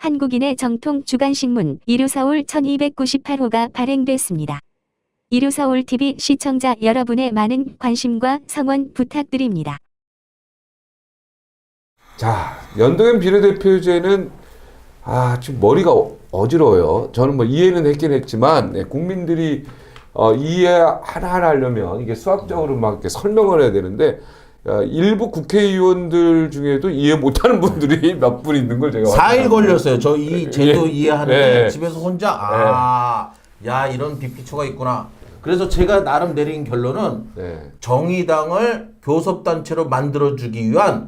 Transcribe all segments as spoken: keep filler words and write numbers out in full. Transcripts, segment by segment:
한국인의 정통 주간신문 일요서울 천이백구십팔 호가 발행됐습니다. 일요서울티비 시청자 여러분의 많은 관심과 성원 부탁드립니다. 자, 연동형 비례대표제는 아, 지금 머리가 어, 어지러워요. 저는 뭐 이해는 했긴 했지만 네, 국민들이 어, 이해 하나하나 하려면 이게 수학적으로 막 이렇게 설명을 해야 되는데 어, 일부 국회의원들 중에도 이해 못하는 분들이 몇 분 있는 걸 제가 사 일 확인합니다. 걸렸어요. 저 이 제도 예. 이해하는데 예. 집에서 혼자 아, 야 이런 빅피처가 있구나. 그래서 제가 나름 내린 결론은 네. 정의당을 교섭단체로 만들어주기 위한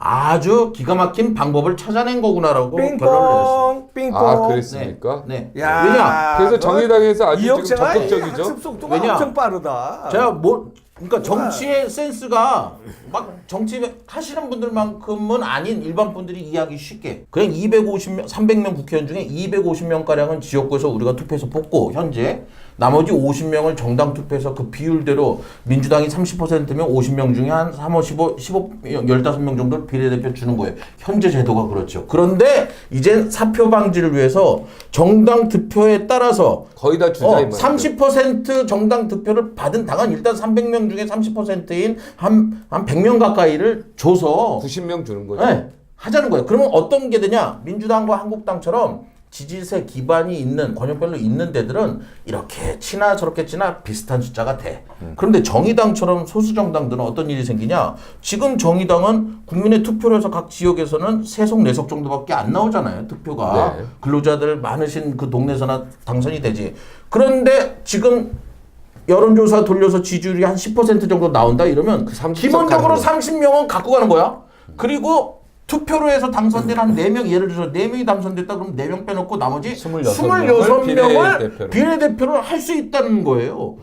아주 기가 막힌 방법을 찾아낸 거구나라고 결론을 내렸어요. 삥뽕 삥뽕. 아, 그랬습니까? 네. 야, 왜냐? 그래서 정의당에서 아주 지금 이혁재가 적극적이죠. 학습 속도가 왜냐? 엄청 빠르다. 제가 뭐 그러니까 정치의 센스가 막 정치 하시는 분들만큼은 아닌 일반 분들이 이해하기 쉽게 그냥 이백오십 명, 삼백 명 국회의원 중에 이백오십 명 가량은 지역구에서 우리가 투표해서 뽑고 현재 나머지 오십 명을 정당 투표해서 그 비율대로 민주당이 삼십 퍼센트면 오십 명 중에 한 삼, 십오, 십오, 십오 명 정도를 비례대표 주는 거예요. 현재 제도가 그렇죠. 그런데 이젠 사표 방지를 위해서 정당 득표에 따라서 거의 다 주자인 어, 말이죠. 삼십 퍼센트 정당 득표를 받은 당은 일단 삼백 명 중에 삼십 퍼센트인 한, 한 백 명 가까이를 줘서 구십 명 주는 거죠. 네, 하자는 거예요. 그러면 어떤 게 되냐? 민주당과 한국당처럼 지지세 기반이 있는 권역별로 있는 데들은 이렇게 치나 저렇게 치나 비슷한 숫자가 돼. 그런데 정의당처럼 소수 정당들은 어떤 일이 생기냐? 지금 정의당은 국민의 투표를 해서 각 지역에서는 세 석, 네 석 정도밖에 안 나오잖아요. 투표가. 네. 근로자들 많으신 그 동네에서나 당선이 되지. 그런데 지금 여론조사 돌려서 지지율이 한 십 퍼센트 정도 나온다 이러면 삼십 기본적으로 석 삼십 명은 갖고 가는 거야. 그리고 투표로 해서 당선된 한 네 명, 예를 들어서 네 명이 당선됐다 그러면 네 명 빼놓고 나머지 스물여섯 스물여섯 명을 비례대표로. 비례대표를 할 수 있다는 거예요.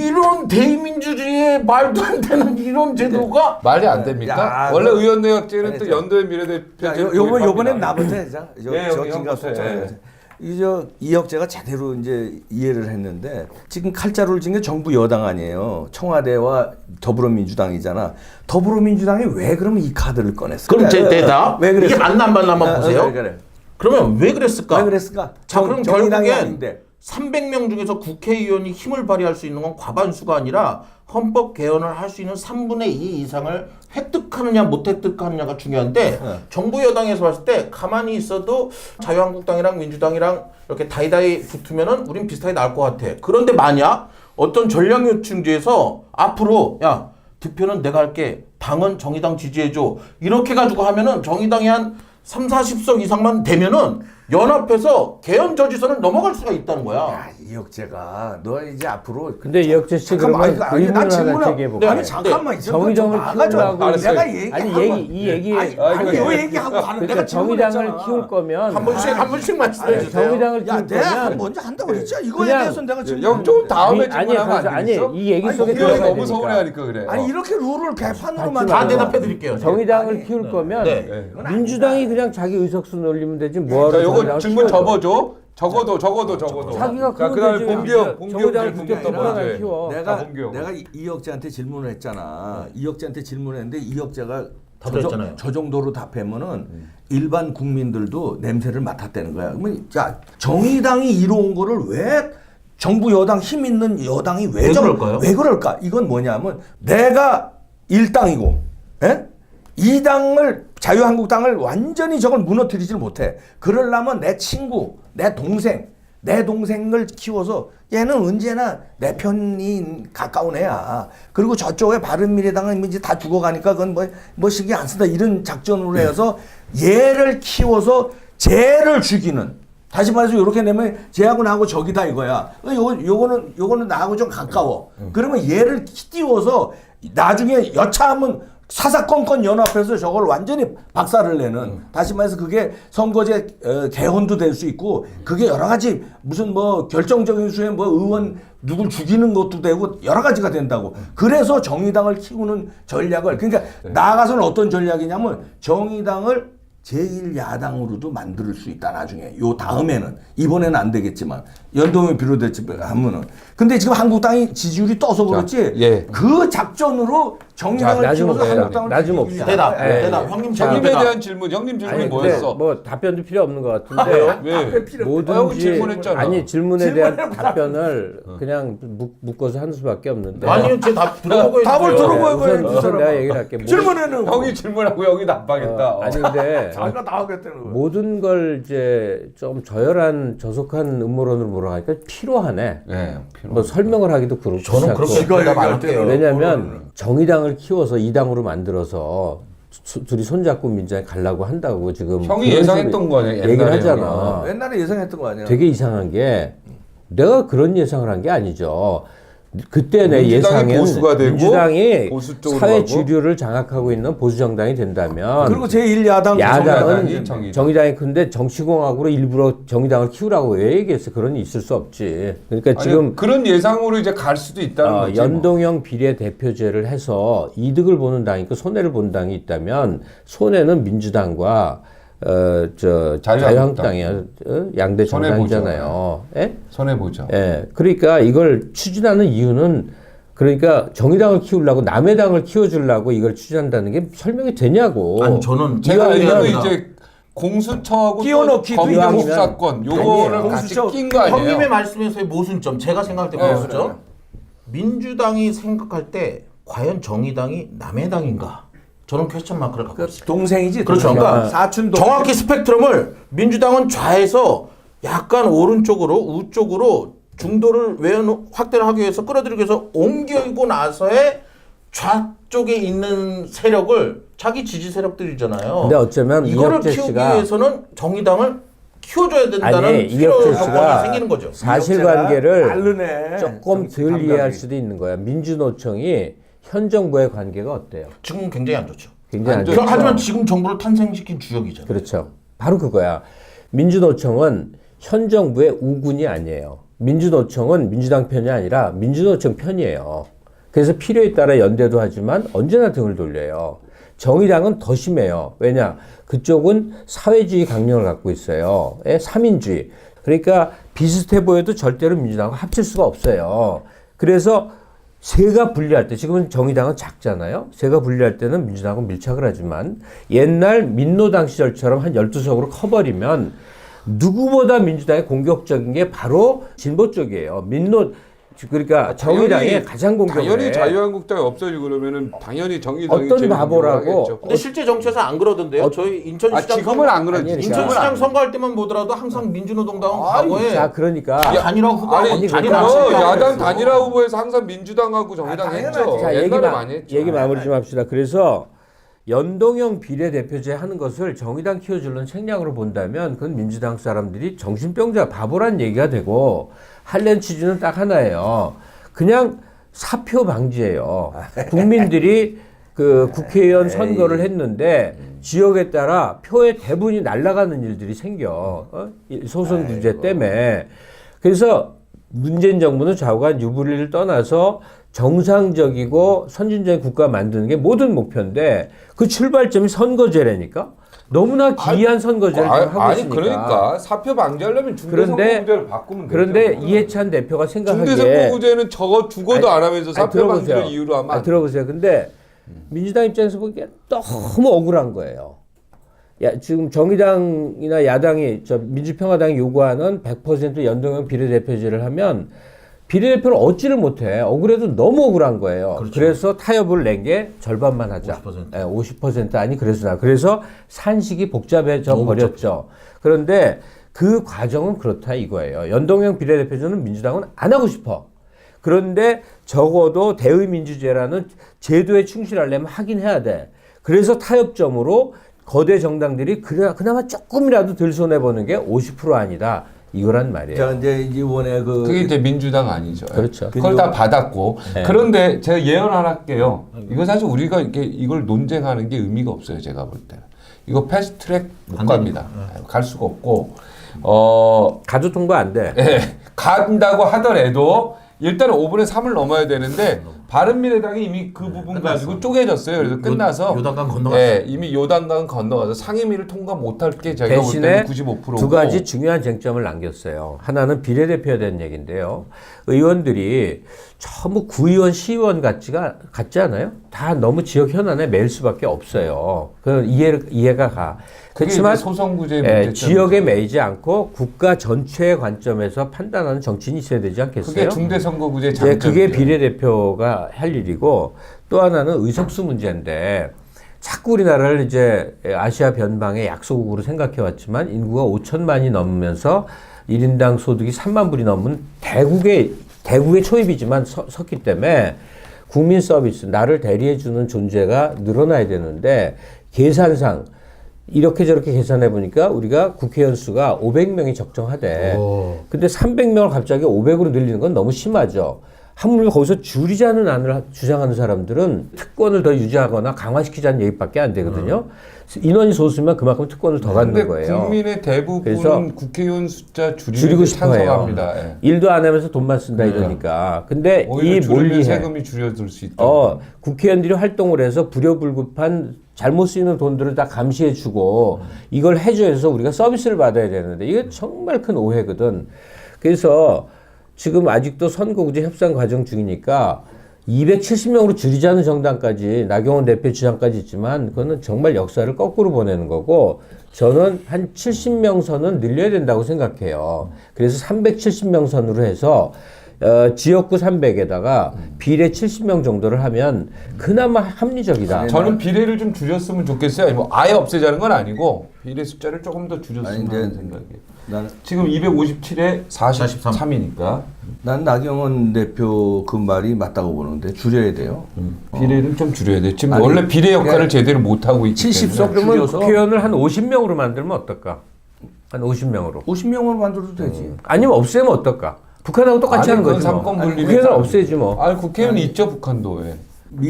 이런 대의민주주의의 말도 안 되는 이런 제도가 말이 안 됩니까? 야, 원래 그- 의원 내각제는 아니, 또 저- 연도형 비례대표 자, 요, 요번 요번엔 나부터 하자. 저, 네, 저 형님, 진갑수 형부터, 예. 이저 이혁재가 제대로 이제 이해를 했는데 지금 칼자루를 친 게 정부 여당 아니에요. 청와대와 더불어민주당이잖아. 더불어민주당이 왜 그러면 이 카드를 꺼냈을까? 그럼 제 대답 왜 그랬어? 이게 맞나 안 맞나 한번 아, 보세요. 왜 그래? 그러면 왜 그랬을까? 왜 그랬을까? 자, 그럼 정의당이 결국엔 아닌데. 삼백 명 중에서 국회의원이 힘을 발휘할 수 있는 건 과반수가 아니라 헌법 개헌을 할 수 있는 삼분의 이 이상을 획득하느냐 못 획득하느냐가 중요한데 네. 정부 여당에서 봤을 때 가만히 있어도 자유한국당이랑 민주당이랑 이렇게 다이다이 붙으면은 우린 비슷하게 나올 것 같아. 그런데 만약 어떤 전략 요충지에서 앞으로 야 득표는 내가 할게. 당은 정의당 지지해줘. 이렇게 가지고 하면은 정의당이 한 삼, 사십 석 이상만 되면은 연합해서 개헌 저지선을 넘어갈 수가 있다는 거야. 야, 이혁재가 너 이제 앞으로 근데 이혁재 씨 잠깐만, 그러면 아니, 의문을 난 하나 질문을- 제기해볼까? 네. 아니 잠깐만 있어. 정의당을 키우려고 알았어요. 내가 얘기 아니 얘기 이 얘기 아니, 아, 아니 이거 요 예. 얘기하고 가는 그러니까 내가 정의당을 질문했잖아. 키울 거면 한 번씩 한 번씩 말씀해 아니, 주세요. 정의당을 야, 키울 내가 거면 먼저 한다고 그랬지. 이거에 그냥- 대해서 내가 지금 형 좀 다음에 아니, 아니, 질문하면 그래서 안 아니 되겠어? 이 얘기 아니, 속에 이거 국회의원이 들어가야 너무 되니까. 서운해하니까 그래. 아니 이렇게 룰을 개판으로만 다 맞지 대답해 드릴게요. 정의당을 아니, 키울 네. 거면 네. 민주당이 그냥 자기 의석수 늘리면 되지 뭐하러 자, 요거 정의당을 질문 키워요? 접어줘. 적어도 적어도 적어도. 자기가 자, 그러면 그다음에 되지. 봉기영, 봉기영 정의당을 질문 그때 먼저 떠나가 해. 키워. 내가 자, 봉기영. 내가 이- 이혁재한테 질문을 했잖아. 이혁재한테 질문했는데 이혁재가 저, 답했잖아요. 저 정도로 답하면은 일반 국민들도 냄새를 맡았다는 거야. 그러면 자 정의당이 이뤄온 거를 왜 정부 여당 힘 있는 여당이 왜, 왜 저- 그럴까요? 왜 그럴까? 이건 뭐냐면 내가 일당이고, 예? 이 당을 자유한국당을 완전히 저걸 무너뜨리질 못해. 그러려면 내 친구, 내 동생, 내 동생을 키워서 얘는 언제나 내 편이 가까운 애야. 그리고 저쪽에 바른미래당은 이제 다 죽어가니까 그건 뭐, 뭐 신경 안 쓴다. 이런 작전으로 해서 얘를 키워서 쟤를 죽이는. 다시 말해서 이렇게 되면 쟤하고 나하고 적이다 이거야. 요거, 요거는, 요거는 나하고 좀 가까워. 그러면 얘를 띄워서 나중에 여차하면 사사건건 연합해서 저걸 완전히 박살을 내는 음. 다시 말해서 그게 선거제 어, 개헌도 될 수 있고 그게 여러 가지 무슨 뭐 결정적인 수에 뭐 의원 누굴 죽이는 것도 되고 여러 가지가 된다고. 그래서 정의당을 키우는 전략을 그러니까 나아가서는 어떤 전략이냐면 정의당을 제일 야당으로도 만들 수 있다 나중에. 요 다음에는 이번에는 안 되겠지만 연동형 비례대표하면은. 근데 지금 한국당이 지지율이 떠서 그렇지. 예. 그 작전으로 정의당을 자, 키워서 나중 한국당을 나중 이기기 옵시다. 위해서. 대답, 예, 대답. 예. 형님 형님에 질문 대한 질문, 형님 질문이 아니, 뭐였어? 근데 뭐 답변도 필요 없는 것 같은데 왜? 아, 필요 없- 아, 형이 뭐든지 질문했잖아. 아니 질문에 대한 질문해놓고 답변을 그냥 묶- 묶어서 하는 수밖에 없는데 아니요, 제답 들어보고 답을 있어요. 들어보고 우선, 해야지, 우선 사람아. 내가 얘기를 할게. 뭐- 질문에는 형이 질문하고 형이 답하겠다. 어, 아니 근데 자기가 나오겠다는 거야. 모든 걸 이제 좀 저열한 저속한 음모론으로 몰아가니까 피로하네. 네, 필요. 뭐 설명을 하기도 그렇고 저는 그렇게 지가 대답 안 얘기할 할게요. 때는. 왜냐하면 정의당을 키워서 이 당으로 만들어서 수- 둘이 손잡고 민주당에 가려고 한다고 지금 형이 그런 예상했던 식으로 거 아니야, 얘기를 옛날에 하잖아. 옛날에 예상했던 거 아니야? 되게 이상한 게 내가 그런 예상을 한 게 아니죠. 그때 내 민주당이 예상은 보수가 되고 민주당이 보수 쪽으로 사회 가고. 주류를 장악하고 있는 보수 정당이 된다면 그리고 제일 야당 야당은 정의당이 정의당. 정의당이 근데 정치공학으로 일부러 정의당을 키우라고 왜 얘기했어? 그런 일 있을 수 없지. 그러니까 아니, 지금 그런 예상으로 이제 갈 수도 있다는 어, 거지. 뭐. 연동형 비례대표제를 해서 이득을 보는 당이 있고 손해를 보는 당이 있다면 손해는 민주당과 어, 저 자유한국당. 자유한국당이야. 어? 양대 손해 정당이잖아요. 예? 손해 보죠. 예. 그러니까 이걸 추진하는 이유는 그러니까 정의당을 키우려고 남의 당을 키워주려고 이걸 추진한다는 게 설명이 되냐고. 아니 저는 제가 이거는 알기로 이제 공수처하고 끼워넣기도 검경 이왕이면 수사권 요거를 아니에요. 같이 공수처- 낀 거 아니에요? 형님의 말씀에서의 모순점, 제가 생각할 때 네, 모순점. 그래. 민주당이 생각할 때 과연 정의당이 남의 당인가? 저는 퀘스천 마크를 갖고 있습니다. 동생이지. 그렇죠. 동생. 그러니까 사촌 동생. 정확히 스펙트럼을 민주당은 좌에서 약간 오른쪽으로 우쪽으로 중도를 외연 확대를 하기 위해서 끌어들이기 위해서 옮기고 나서의 좌쪽에 있는 세력을 자기 지지 세력들이잖아요. 근데 어쩌면 이거를 이혁재 키우기 씨가 위해서는 정의당을 키워줘야 된다는 아니, 필요 이혁재 조건이 씨가 생기는 거죠. 사실관계를 다르네. 조금 정치 덜 이해할 감각이. 수도 있는 거야. 민주노총이 현 정부의 관계가 어때요? 지금 굉장히 안 좋죠. 굉장히 안 안 좋죠. 좋죠. 하지만 지금 정부를 탄생시킨 주역이잖아요. 그렇죠. 바로 그거야. 민주노총은 현 정부의 우군이 아니에요. 민주노총은 민주당 편이 아니라 민주노총 편이에요. 그래서 필요에 따라 연대도 하지만 언제나 등을 돌려요. 정의당은 더 심해요. 왜냐? 그쪽은 사회주의 강령을 갖고 있어요. 예? 삼인주의. 그러니까 비슷해 보여도 절대로 민주당과 합칠 수가 없어요. 그래서 세가 분리할 때, 지금은 정의당은 작잖아요. 세가 분리할 때는 민주당하고 밀착을 하지만 옛날 민노당 시절처럼 한 열두 석으로 커버리면 누구보다 민주당의 공격적인 게 바로 진보 쪽이에요. 민노, 그러니까 정의당의 당연히- 가장 공격을 당연히 해. 자유한국당이 없어지고 그러면 당연히 정의당이 어떤 제일 바보라고 공격을 하겠죠. 근데 실제 정치에서 안 그러던데요. 어, 저희 인천시장 아 지금은 안 그러지. 아니, 인천시장 그러니까. 선거할 때만 보더라도 항상 민주노동당은 과거에 자, 그러니까. 다 단일화 후보 아니, 아니, 단일화 그러니까. 그거 후보라고 야당 했어. 단일화 후보에서 항상 민주당하고 정의당 아, 했죠. 당연하지. 자, 얘기, 옛날에 마, 많이 했죠. 얘기 마무리 좀 합시다. 그래서 연동형 비례대표제 하는 것을 정의당 키워주는 책략으로 본다면 그건 민주당 사람들이 정신병자 바보란 얘기가 되고 할렌 취지는 딱 하나예요. 그냥 사표 방지예요. 국민들이 그 국회의원 선거를 했는데 지역에 따라 표의 대부분이 날아가는 일들이 생겨. 어? 이 소선 구제 때문에. 그래서 문재인 정부는 좌우간 유불리를 떠나서 정상적이고 선진적인 국가 만드는 게 모든 목표인데 그 출발점이 선거제라니까. 너무나 기이한 선거제를 아, 지금 하고 아니 있으니까. 그러니까 사표 방지하려면 그런데- 중대선거구제를 바꾸면 그런데 되죠. 이해찬 대표가 생각하기에 중대선거구제는 저거 죽어도 안 하면서 아니, 사표 들어보세요. 방지를 이유로 하면 아니, 안 들어보세요. 근데 민주당 입장에서 보기에 너무 억울한 거예요. 야, 지금 정의당이나 야당이 저 민주평화당이 요구하는 백 퍼센트 연동형 비례대표제를 하면 비례대표를 얻지를 못해. 억울해도 너무 억울한 거예요. 그렇죠. 그래서 타협을 낸 게 절반만 하자. 오십 퍼센트. 예, 오십 퍼센트 아니 그래서 나. 그래서 산식이 복잡해져 너무 버렸죠. 그런데 그 과정은 그렇다 이거예요. 연동형 비례대표제는 민주당은 안 하고 싶어. 그런데 적어도 대의민주제라는 제도에 충실하려면 하긴 해야 돼. 그래서 타협점으로 거대 정당들이 그래, 그나마 조금이라도 덜 손해보는 게 오십 퍼센트 아니다. 이거란 말이에요. 자 이제 이번에 그 그게 이제 민주당 아니죠. 그렇죠. 그걸 다 받았고. 네. 그런데 제가 예언 하나 할게요. 이거 사실 우리가 이렇게 이걸 논쟁하는 게 의미가 없어요. 제가 볼 때는. 이거 패스트트랙 못 안 갑니다. 갈 수가 없고. 어, 가도 통과 안 돼. 예, 간다고 하더라도 일단은 오 분의 삼을 넘어야 되는데 바른미래당이 이미 그 부분 끝났어. 가지고 쪼개졌어요. 그래서 요- 끝나서 요단강 건너갔어. 예, 이미 요단강 건너가서 상임위를 통과 못할 게 저희가 볼 대신에 때는 구십오 퍼센트고 두 가지 중요한 쟁점을 남겼어요. 하나는 비례대표에 대한 얘기인데요. 의원들이 전부 구의원, 시의원 같지가 같지 않아요? 다 너무 지역 현안에 매일 수밖에 없어요. 그 이해 이해가 가. 그렇지만 소선구제 예, 지역에 매이지 않고 국가 전체의 관점에서 판단하는 정치인이 있어야 되지 않겠어요? 그게 중대선거구제 이제 장점. 그게 비례대표가 할 일이고 또 하나는 의석수 문제인데 자꾸 우리나라를 이제 아시아 변방의 약소국으로 생각해 왔지만 인구가 오천만이 넘으면서 일 인당 소득이 삼만 불이 넘은 대국의 대국의 초입이지만 서, 섰기 때문에 국민 서비스 나를 대리해주는 존재가 늘어나야 되는데 계산상 이렇게 저렇게 계산해 보니까 우리가 국회의원 수가 오백 명이 적정하대. 근데 삼백 명을 갑자기 오백으로 늘리는 건 너무 심하죠. 하물며 거기서 줄이자는 안을 주장하는 사람들은 특권을 더 유지하거나 강화시키자는 얘기밖에 안 되거든요. 인원이 소수면 그만큼 특권을 더 근데 갖는 거예요. 국민의 그래서 대부분은 국회의원 숫자 줄이는 줄이고 데 싶어 해요. 찬성합니다. 예. 일도 안 하면서 돈만 쓴다 이러니까. 근데 오히려 이 줄이면 몰리해. 세금이 줄여들 수 있다. 어, 국회의원들이 활동을 해서 불효불급한 잘못 쓰이는 돈들을 다 감시해주고 이걸 해줘서 우리가 서비스를 받아야 되는데 이게 정말 큰 오해거든. 그래서 지금 아직도 선거구제 협상 과정 중이니까 이백칠십 명으로 줄이자는 정당까지 나경원 대표 주장까지 있지만 그거는 정말 역사를 거꾸로 보내는 거고 저는 한 칠십 명 선은 늘려야 된다고 생각해요. 그래서 삼백칠십 명 선으로 해서 어, 지역구 삼백에다가 비례 칠십 명 정도를 하면 그나마 합리적이다. 저는 비례를 좀 줄였으면 좋겠어요. 아니, 뭐 아예 없애자는 건 아니고 비례 숫자를 조금 더 줄였으면 아니, 하는 근데 생각이에요. 나는 지금 이백오십칠에 사십삼이니까 난 나경원 대표 그 말이 맞다고 보는데 줄여야 돼요. 비례를 좀 줄여야 돼. 지금 아니, 원래 비례 역할을 그러니까 제대로 못 하고 있기 칠십 석 때문에. 그러면 줄여서- 국회의원을 한 오십 명으로 만들면 어떨까? 한 오십 명으로. 오십 명으로 만들어도 되지. 아니면 없애면 어떨까? 북한하고 똑같이 아니, 하는 그건 거지. 뭐. 삼권 아니, 분립이 국회의원을 따로- 없애지 뭐. 아, 국회의원이 있죠, 북한도. 예.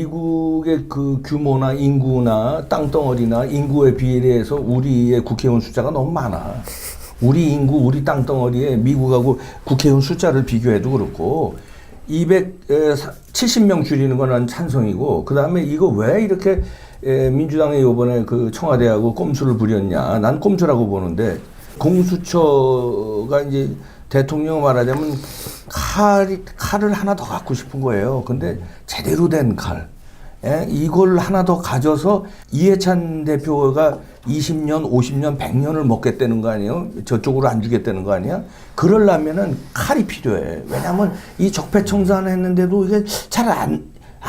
미국의 그 규모나 인구나 땅덩어리나 인구에 비례해서 우리의 국회의원 숫자가 너무 많아. 우리 인구, 우리 땅덩어리에 미국하고 국회의원 숫자를 비교해도 그렇고 이백칠십 명 줄이는 건 난 찬성이고 그 다음에 이거 왜 이렇게 에, 민주당이 이번에 그 청와대하고 꼼수를 부렸냐. 난 꼼수라고 보는데 공수처가 이제 대통령 말하자면 칼이, 칼을 하나 더 갖고 싶은 거예요. 근데 제대로 된 칼. 예? 이걸 하나 더 가져서 이해찬 대표가 이십 년, 오십 년, 백 년을 먹겠다는 거 아니에요? 저쪽으로 안 주겠다는 거 아니야? 그러려면은 칼이 필요해. 왜냐면 이 적폐청산 했는데도 이게 잘 안,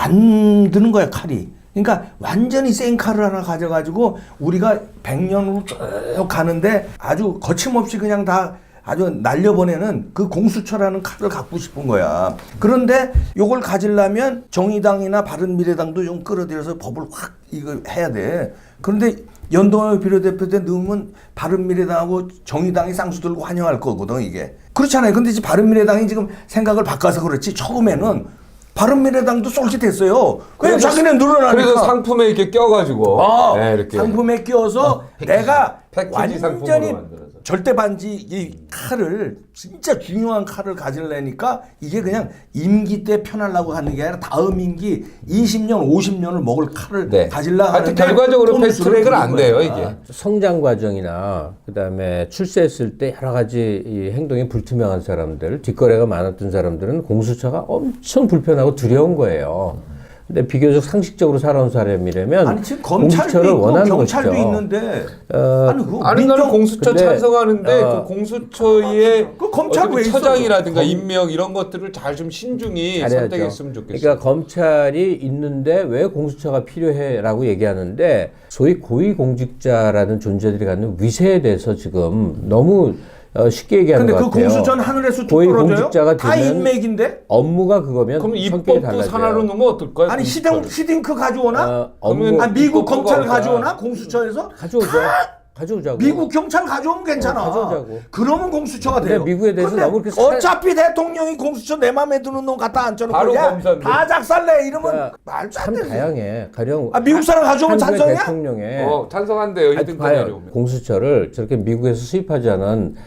안 드는 거야, 칼이. 그러니까 완전히 센 칼을 하나 가져가지고 우리가 백 년으로 쭉 가는데 아주 거침없이 그냥 다 아주 날려보내는 그 공수처라는 칼을 갖고 싶은 거야. 그런데 요걸 가지려면 정의당이나 바른미래당도 좀 끌어들여서 법을 확 이거 해야 돼. 그런데 연동형 비례대표 때 넣으면 바른미래당하고 정의당이 쌍수 들고 환영할 거거든 이게. 그렇잖아요. 근데 지금 바른미래당이 지금 생각을 바꿔서 그렇지 처음에는 바른미래당도 쏠깃했어요. 왜냐면 자기는 늘어나니까. 그래서 상품에 이렇게 껴가지고 어, 네, 이렇게 상품에 끼워서 내가 패키지 상품으로 완전히 만들어서. 절대 반지 이 칼을 진짜 중요한 칼을 가지려니까 이게 그냥 임기 때 편하려고 하는 게 아니라 다음 임기 이십 년, 오십 년을 먹을 칼을 네. 가지려고 하여튼 하는데 결과적으로 꼼수를 패스트트랙은 안 부린 돼요 거야. 이게. 성장 과정이나 그다음에 출세했을 때 여러 가지 이 행동이 불투명한 사람들, 뒷거래가 많았던 사람들은 공수처가 엄청 불편하고 두려운 거예요. 근데 비교적 상식적으로 살아온 사람이라면 아니 지금 검찰도 공수처를 있고 원하는 경찰도 것이죠. 있는데 어, 아니 그 아니 나는 민정- 공수처 근데, 찬성하는데 어, 그 공수처의 그 검찰 어떤 왜 있어? 처장이라든가 검- 임명 이런 것들을 잘 좀 신중히 잘해야죠. 선택했으면 좋겠어요. 그러니까 검찰이 있는데 왜 공수처가 필요해라고 얘기하는데 소위 고위공직자라는 존재들이 갖는 위세에 대해서 지금 너무 어, 쉽게 얘기하는 근데 것 그 같아요. 공수처는 하늘에서 뚝 고위공직자가 떨어져요? 다 되면 인맥인데? 업무가 그거면 그럼 성격이 입법도 달라져요. 산하로 넣으면 어떨까요? 아니 시딩, 공수처를? 시딩크 가져오나? 어, 업무 그러면 아 미국 입법부가 검찰 없다. 가져오나? 공수처에서? 가져오죠. 가져오자고. 미국 경찰 가져오면 괜찮아. 어, 가져오자고. 그러면 공수처가 근데 돼요. 미국에 대해서 근데 너무 그렇게 살- 어차피 대통령이 공수처 내 맘에 드는 놈 갖다 앉혀놓고 바로 야, 검사인데. 다 작살내 이러면 그러니까 말도 안 참 되지. 다양해. 가령 아, 미국 사람 가져오면 한국의 찬성이야? 대통령의 어, 찬성한대요. 하여튼 히든까지 봐요. 내려오면. 공수처를 저렇게 미국에서 수입하지 않은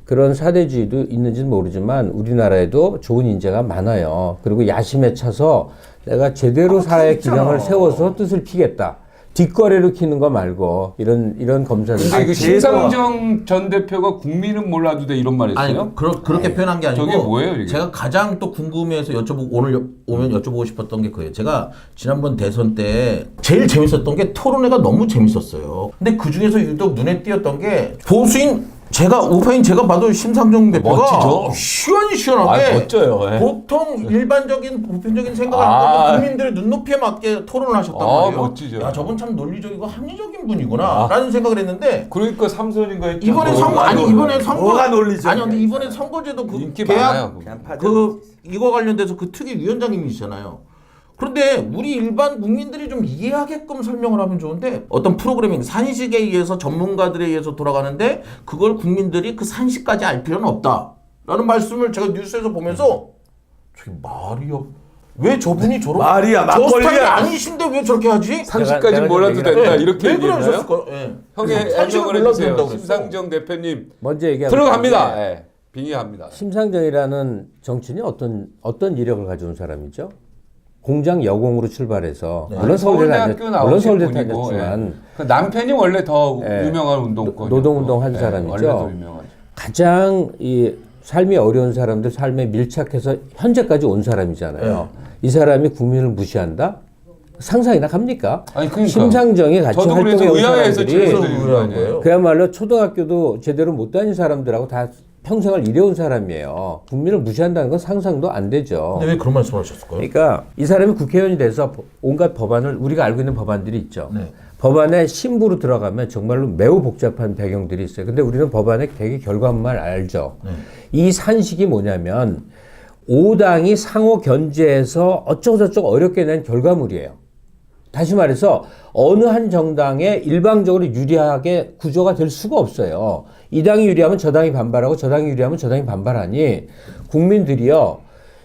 그런 사대주의도 있는지는 모르지만 우리나라에도 좋은 인재가 많아요. 그리고 야심에 차서 내가 제대로 사회 기강을 세워서 뜻을 피겠다. 뒷거래로 키는 거 말고 이런 이런 검사들. 근데 그 심상정 전 대표가 국민은 몰라도 돼 이런 말 했어요? 아니 그러, 그렇게 아니, 표현한 게 아니고 저게 뭐예요, 이게? 제가 가장 또 궁금해서 여쭤보고 오늘 여- 오면 여쭤보고 싶었던 게 그예요. 제가 지난번 대선 때 제일 재밌었던 게 토론회가 너무 재밌었어요. 근데 그 중에서 유독 눈에 띄었던 게 보수인 제가 우파인 제가 봐도 심상정 대표가 멋지죠? 시원시원하게 아, 멋져요. 예. 보통 일반적인 보편적인 생각을 아. 안 하고 국민들의 눈높이에 맞게 토론을 하셨단 아, 말이에요. 멋지죠. 야 저분 참 논리적이고 합리적인 분이구나 라는 생각을 했는데 그러니까 삼선인가 했죠. 이번에 선거 아니 이번에 선거 뭐가 논리적이야, 아니 근데 이번에 선거제도 그 인기 계약 많아요. 그 이거 관련돼서 그 특위 위원장님이시잖아요. 그런데 우리 일반 국민들이 좀 이해하게끔 설명을 하면 좋은데 어떤 프로그래밍 산식에 의해서 전문가들에 의해서 돌아가는데 그걸 국민들이 그 산식까지 알 필요는 없다라는 말씀을 제가 뉴스에서 보면서 저게 말이야. 왜 저분이 저런 말이야, 저 막걸리야. 스타일이 아니신데 왜 저렇게 하지? 삼십까지 내가 몰라도 좀 된다 네. 이렇게 왜 얘기했나요? 그러셨을까요? 예. 형의 삼십을 해명을 몰라도 해주세요. 된다고 그랬어. 심상정 대표님 먼저 얘기하면 들어갑니다. 예. 빙의합니다. 심상정이라는 정치인이 어떤 어떤 이력을 가져온 사람이죠? 공장 여공으로 출발해서 물론 서울대 다녔 서울대학교 나오신 물론 서울대 분이고, 다녔지만 예. 그 남편이 원래 더 예. 유명한 운동권 노동운동 한 사람이죠. 원래 더 유명하죠. 가장 이 삶이 어려운 사람들 삶에 밀착해서 현재까지 온 사람이잖아요. 이 사람이 국민을 무시한다? 상상이나 갑니까? 아니, 그러니까. 심상정이 같이 저도 그래서 활동해 온 의아해서 사람들이 질문드리는 거 아니에요? 그야말로 초등학교도 제대로 못 다닌 사람들하고 다 평생을 일해온 사람이에요. 국민을 무시한다는 건 상상도 안 되죠. 근데 왜 그런 말씀을 하셨을까요? 그러니까 이 사람이 국회의원이 돼서 온갖 법안을 우리가 알고 있는 법안들이 있죠. 네. 법안에 신부로 들어가면 정말로 매우 복잡한 배경들이 있어요. 근데 우리는 법안의 되게 결과만 알죠. 네. 이 산식이 뭐냐면 오 당이 상호 견제해서 어쩌고저쩌고 어렵게 낸 결과물이에요. 다시 말해서 어느 한 정당에 일방적으로 유리하게 구조가 될 수가 없어요. 이 당이 유리하면 저 당이 반발하고 저 당이 유리하면 저 당이 반발하니 국민들이요.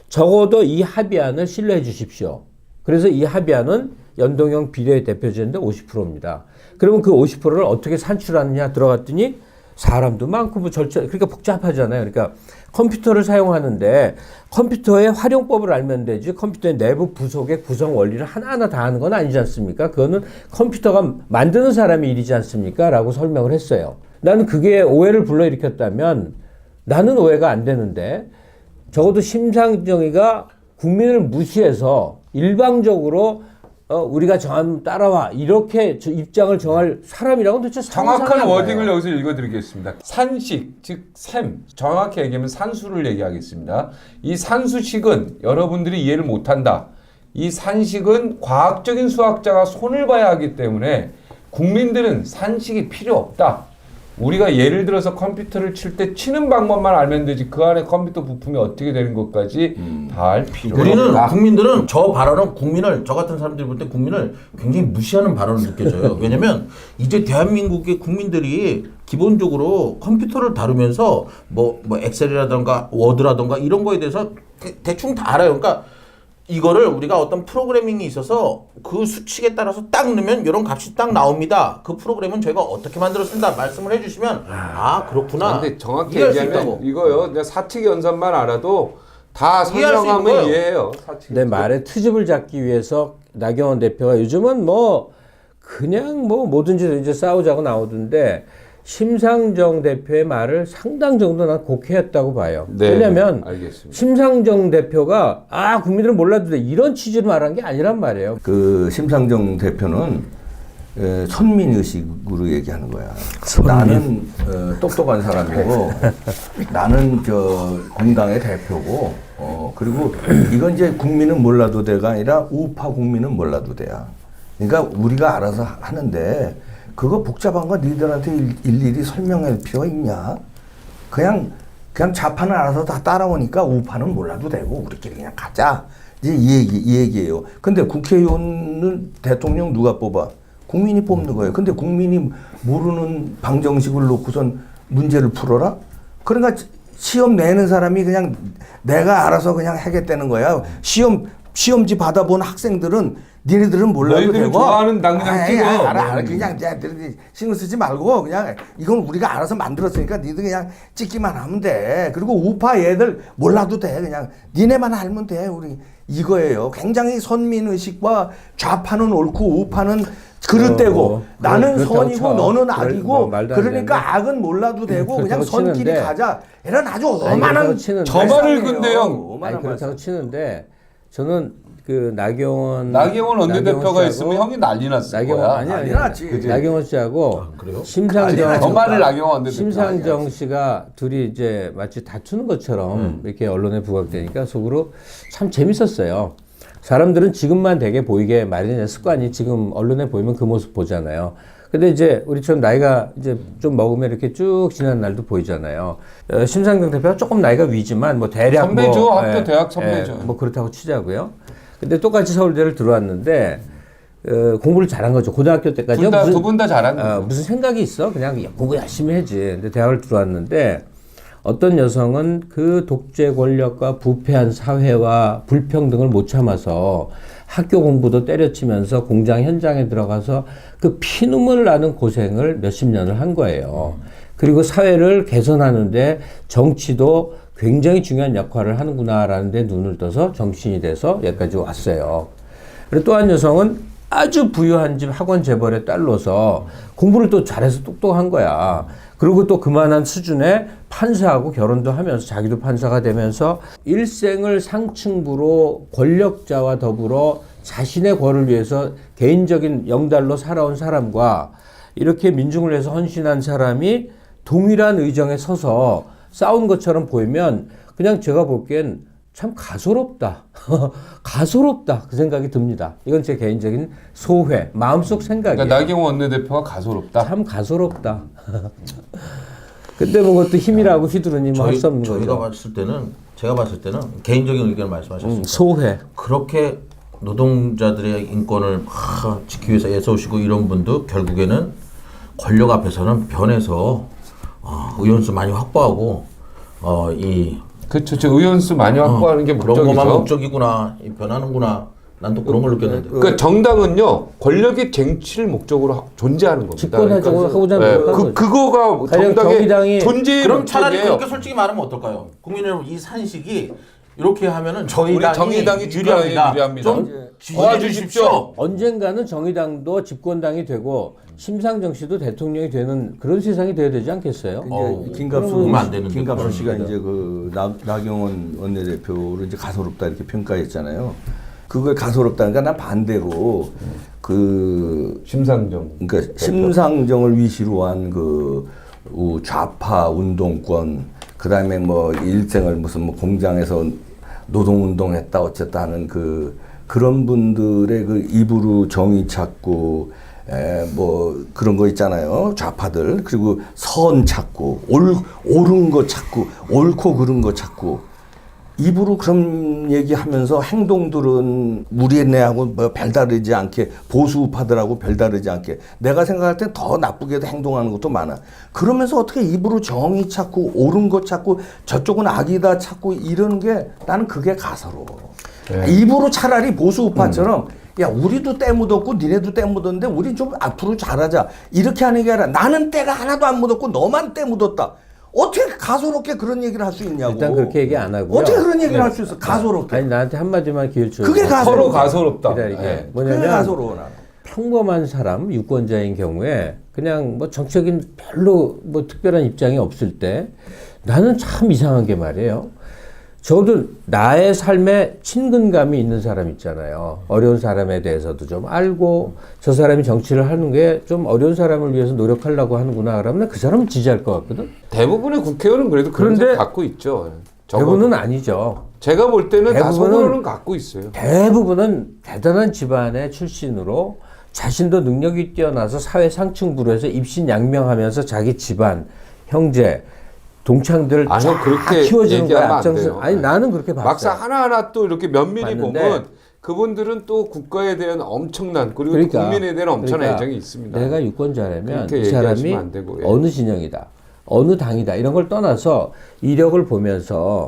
적어도 이 합의안을 신뢰해 주십시오. 그래서 이 합의안은 연동형 비례 대표제인데 오십 퍼센트입니다. 그러면 그 오십 퍼센트를 어떻게 산출하느냐 들어갔더니 사람도 많고 뭐 절차 그러니까 복잡하잖아요. 그러니까 컴퓨터를 사용하는데 컴퓨터의 활용법을 알면 되지 컴퓨터의 내부 부속의 구성 원리를 하나하나 다 하는 건 아니지 않습니까? 그거는 컴퓨터가 만드는 사람의 일이지 않습니까? 라고 설명을 했어요. 나는 그게 오해를 불러일으켰다면 나는 오해가 안 되는데 적어도 심상정이가 국민을 무시해서 일방적으로 어, 우리가 정하면 따라와 이렇게 저 입장을 정할 사람이라고는 도대체 상상이 정확한 안 워딩을 가요. 여기서 읽어드리겠습니다. 산식, 즉 샘, 정확히 얘기하면 산수를 얘기하겠습니다. 이 산수식은 여러분들이 이해를 못한다. 이 산식은 과학적인 수학자가 손을 봐야 하기 때문에 국민들은 산식이 필요 없다. 우리가 예를 들어서 컴퓨터를 칠 때 치는 방법만 알면 되지 그 안에 컴퓨터 부품이 어떻게 되는 것까지 다 알 필요가 우리는 없다. 국민들은 저 발언은 국민을 저 같은 사람들이 볼 때 국민을 굉장히 무시하는 발언으로 느껴져요. 왜냐면 이제 대한민국의 국민들이 기본적으로 컴퓨터를 다루면서 뭐, 뭐 엑셀이라던가 워드라던가 이런 거에 대해서 대- 대충 다 알아요. 그러니까 이거를 우리가 어떤 프로그래밍이 있어서 그 수칙에 따라서 딱 넣으면 이런 값이 딱 나옵니다. 그 프로그램은 저희가 어떻게 만들었습니다. 말씀을 해주시면 아 그렇구나. 근데 정확히 이해할 수 얘기하면 있다고. 이거요. 그냥 사칙 연산만 알아도 다 이해할 수 있는 설명하면 거예요. 이해해요. 사칙. 내 말에 트집을 잡기 위해서 나경원 대표가 요즘은 뭐 그냥 뭐 뭐든지 이제 싸우자고 나오던데 심상정 대표의 말을 상당 정도 난 곡해했다고 봐요. 네, 왜냐하면 알겠습니다. 심상정 대표가 아 국민들은 몰라도 돼 이런 취지로 말한 게 아니란 말이에요. 그 심상정 대표는 에, 선민의식으로 얘기하는 거야. 나는 어, 똑똑한 사람이고 나는 저 공당의 대표고 어, 그리고 이건 이제 국민은 몰라도 돼가 아니라 우파 국민은 몰라도 돼야. 그러니까 우리가 알아서 하는데 그거 복잡한 거 니들한테 일, 일일이 설명할 필요가 있냐? 그냥 그냥 좌파는 알아서 다 따라오니까 우파는 몰라도 되고 우리끼리 그냥 가자. 이제 이 얘기 이 얘기예요. 근데 국회의원은 대통령 누가 뽑아? 국민이 뽑는 거예요. 근데 국민이 모르는 방정식을 놓고선 문제를 풀어라? 그러니까 시험 내는 사람이 그냥 내가 알아서 그냥 하겠다는 거야. 시험 시험지 받아본 학생들은 니네들은 몰라도 너희들이 되고. 좋아하는 당 그냥 아이, 찍어. 아이, 알아, 알아. 그냥 니네들이 신경 쓰지 말고 그냥 이건 우리가 알아서 만들었으니까 니들 그냥 찍기만 하면 돼. 그리고 우파 얘들 몰라도 돼. 그냥 니네만 알면 돼. 우리 이거예요. 굉장히 선민의식과 좌파는 옳고 우파는 그릇되고 어, 나는 그렇다고 선이고 쳐. 너는 그럴- 악이고 뭐 말도 안 그러니까 되는데. 악은 몰라도 되고 그냥 그렇다고 선끼리 치는데. 가자. 이런 아주 아니, 어마한 그렇다고 치는데. 저 말을 발상이에요. 근데 형, 어마어마한 아니 그렇다고 발상. 치는데 저는 그 나경원 나경원 원내대표가 씨하고 있으면 형이 난리 났을 나경원 거야. 아니 아니 난리 났지. 그지? 나경원 씨하고 그래요? 심상정 저 말을 나경원 원내대표. 심상정 씨가 둘이 이제 마치 다투는 것처럼 이렇게 언론에 부각되니까 속으로 참 재밌었어요. 사람들은 지금만 되게 보이게 마련된 습관이 지금 언론에 보이면 그 모습 보잖아요. 근데 이제 우리처럼 나이가 이제 좀 먹으면 이렇게 쭉 지난 날도 보이잖아요. 어, 심상정 대표가 조금 나이가 위지만 뭐 대략 선배죠. 뭐, 학교 대학 선배죠. 뭐 그렇다고 치자고요. 근데 똑같이 서울대를 들어왔는데 어, 공부를 잘한 거죠. 고등학교 때까지 둘 다, 두 분 다 잘한 거죠. 어, 무슨 생각이 있어? 그냥 공부 열심히 해지. 근데 대학을 들어왔는데 어떤 여성은 그 독재 권력과 부패한 사회와 불평등을 못 참아서 학교 공부도 때려치면서 공장 현장에 들어가서 그 피눈물 나는 고생을 몇십 년을 한 거예요. 그리고 사회를 개선하는데 정치도 굉장히 중요한 역할을 하는구나라는 데 눈을 떠서 정신이 돼서 여기까지 왔어요. 그리고 또 한 여성은 아주 부유한 집 학원 재벌의 딸로서 공부를 또 잘해서 똑똑한 거야. 그리고 또 그만한 수준의 판사하고 결혼도 하면서 자기도 판사가 되면서 일생을 상층부로 권력자와 더불어 자신의 권을 위해서 개인적인 영달로 살아온 사람과 이렇게 민중을 위해서 헌신한 사람이 동일한 의정에 서서 싸운 것처럼 보이면 그냥 제가 보기엔 참 가소롭다. 가소롭다. 그 생각이 듭니다. 이건 제 개인적인 소회, 마음속 생각이에요. 그러니까 나경원 원내대표가 가소롭다. 참 가소롭다. 근데 뭐 그것도 힘이라고 휘두르니 뭐 할 수 없는 저희가 거죠. 봤을 때는 제가 봤을 때는 개인적인 의견을 말씀하셨습니다. 음, 소회. 그렇게 노동자들의 인권을 막 지키기 위해서 애써오시고 이런 분도 결국에는 권력 앞에서는 변해서 어, 의원수 많이 확보하고 어, 이 그렇죠. 저 의원수 많이 확보하는 게 그런 것만 목적이죠. 목적이구나. 이 변하는구나. 난 또 그런 걸 느꼈는데. 그러니까 정당은요 권력의 쟁취를 목적으로 하- 존재하는 겁니다. 집권하자고 하고자 네, 노력하는 그 거죠. 그거가 가령 정당의 정의당이- 존재의 그럼 차라리 목적이에요. 그렇게 솔직히 말하면 어떨까요? 국민 여러분 이 산식이 이렇게 하면은 저희 우리 당이 정의당이 유리합니다. 집권하기 유리합니다. 좀 예. 지지해 주십시오. 언젠가는 정의당도 집권당이 되고 심상정 씨도 대통령이 되는 그런 세상이 돼야 되지 않겠어요? 어우, 이제 김갑수 그러면 안 되는데, 김갑수 그런 씨가 얘기가. 이제 그 나, 나경원 원내대표를 이제 가소롭다 이렇게 평가했잖아요. 그걸 가소롭다니까 난 반대로 그 심상정. 그러니까 심상정을 위시로 한 그 좌파 운동권 그다음에 뭐 일생을 무슨 뭐 공장에서 노동운동했다 어쨌다 하는 그 그런 분들의 그 입으로 정의 찾고 에 뭐 그런 거 있잖아요. 좌파들. 그리고 선 찾고 옳 옳은 거 찾고 옳고 그른 거 찾고 입으로 그런 얘기하면서 행동들은 우리네하고 뭐 별다르지 않게 보수 우파들하고 별다르지 않게 내가 생각할 때 더 나쁘게도 행동하는 것도 많아. 그러면서 어떻게 입으로 정의 찾고 옳은 것 찾고 저쪽은 악이다 찾고 이러는 게 나는 그게 가서로. 네. 입으로 차라리 보수 우파처럼 야 우리도 때 묻었고 니네도 때 묻었는데 우리 좀 앞으로 잘하자 이렇게 하는 게 아니라 나는 때가 하나도 안 묻었고 너만 때 묻었다. 어떻게 가소롭게 그런 얘기를 할 수 있냐고. 일단 그렇게 얘기 안 하고요. 어떻게 그런 얘기를 네. 할 수 있어? 가소롭게. 아니 나한테 한마디만 기회 줘. 그게 가소롭다. 서로 가소롭다. 기다리게. 네. 그게 뭐냐면 가소로워 나는. 평범한 사람, 유권자인 경우에 그냥 뭐 정치적인 별로 뭐 특별한 입장이 없을 때 나는 참 이상한 게 말이에요. 저도 나의 삶에 친근감이 있는 사람 있잖아요. 어려운 사람에 대해서도 좀 알고 저 사람이 정치를 하는 게 좀 어려운 사람을 위해서 노력하려고 하는구나 그러면 그 사람은 지지할 것 같거든. 대부분의 국회의원은 그래도 그런 그런데 생 갖고 있죠. 적어도. 대부분은 아니죠. 제가 볼 때는 대부분은- 다소분은 갖고 있어요. 대부분은 대단한 집안의 출신으로 자신도 능력이 뛰어나서 사회 상층부로 해서 입신양명하면서 자기 집안, 형제, 동창들 아, 형 쫙 그렇게 키워주는 거야. 얘기하면 안 앞장서. 돼요. 아니 나는 그렇게 봤어요. 막상 하나하나 또 이렇게 면밀히 봤는데 보면 그분들은 또 국가에 대한 엄청난 그리고 그러니까, 국민에 대한 엄청난 그러니까 애정이 있습니다. 내가 유권자라면 그렇게 이 사람이 얘기하시면 안 되고, 예. 어느 진영이다, 어느 당이다 이런 걸 떠나서 이력을 보면서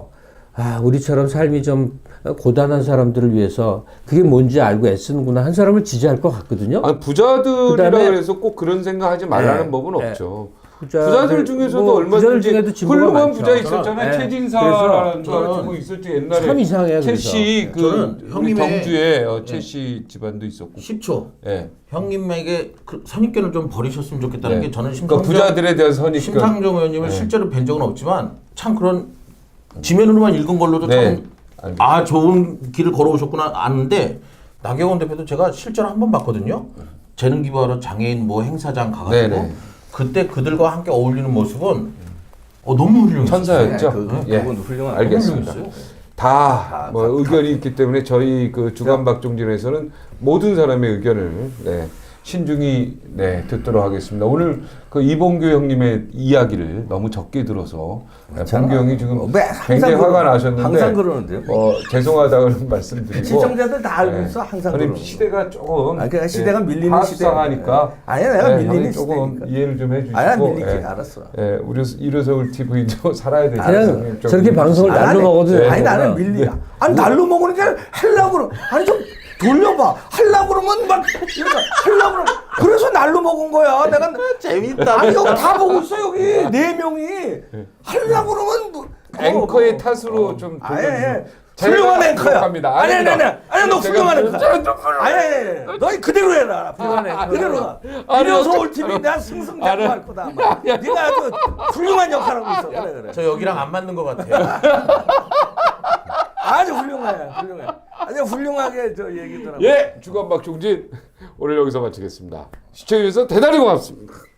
아, 우리처럼 삶이 좀 고단한 사람들을 위해서 그게 뭔지 알고 애쓰는구나 한 사람을 지지할 것 같거든요. 아니, 부자들이라 그다음에- 그래서 꼭 그런 생각하지 말라는 네, 법은 네. 없죠. 부자들, 부자들 중에서도 뭐 얼마든지 부자들 중에도 진보가 훌륭한 많죠. 부자 있었잖아요. 네. 최진사라는 그래서 거 저는 누구 있었지 옛날에. 참 이상해요. 최씨 그래서. 그 저는 우리 형님의- 경주에 어, 최씨 집안도 있었고. 십 초. 예. 형님에게 그 선입견을 좀 버리셨으면 좋겠다는 네. 게 저는 그러니까 심상정, 부자들에 대한 선입견. 심상정 의원님을 네. 실제로 뵌 적은 없지만 참 그런 지면으로만 읽은 걸로도 네. 참 아 좋은 길을 걸어오셨구나 아는데 나경원 대표도 제가 실제로 한 번 봤거든요. 재능 기부하러 장애인 뭐 행사장 가가지고 네네. 그때 그들과 함께 어울리는 모습은 어, 너무 훌륭했어요. 천사였죠. 그, 예. 그건 훌륭한 알겠습니다. 훌륭했어요. 다 뭐 다, 의견이 있기 때문에 저희 그 주간 박종진에서는 모든 사람의 의견을 네, 신중히 네, 듣도록 하겠습니다. 오늘 그 이봉규 형님의 이야기를 너무 적게 들어서 네, 봉규 형이 지금 어, 왜 항상 굉장히 그러- 화가 나셨는데 항상 그러는데요. 어, 죄송하다는 말씀드리고 시청자들 다 알고 네. 있어. 항상 형님 그러는 시대가 조금 아, 그러니까 시대가 밀리는 파악상하니까 시대. 아니야, 내가 밀리는 형님 조금 시대니까. 이해를 좀 해주시고 아니야, 밀리지. 예. 알았어. 예, 우리 이르서울 티비도 살아야 되니까 그냥 형님 좀 저렇게 방송을 아니, 날로 아니, 먹어도 네. 아니 나는 되는구나. 밀리야. 아니 날로 먹으는 게 하려고 그러. 아니 좀 돌려봐. 하려고 그러면 막 이러니까 하려고 그러. 그래서 날로 먹은 거야. 내가 재밌다. 아니 여기 다 보고 있어 여기 네 명이 하려고 그러면 뭐, 앵커의 어, 탓으로 어. 좀 아니, 돌려주세요. 아니, 제가 훌륭한 앵커야. 부족합니다. 아니 아니 아니 아닙니다. 아니 너 제가 훌륭한 앵커야. 좀- 좀- 아니 아니 아니 너 그대로 해라. 훌륭한 앵커. 그대로 해. 아니, 이래서 어떡- 올 팀이 내가 승승장구할 거다. 아마. 네가 아주 훌륭한 역할하고 있어. 그래 그래. 저 여기랑 안 맞는 것 같아요. 아주 훌륭해. 훌륭해. 아주 훌륭하게 저 얘기더라고. 예, 주간 박종진 오늘 여기서 마치겠습니다. 시청해주셔서 대단히 고맙습니다.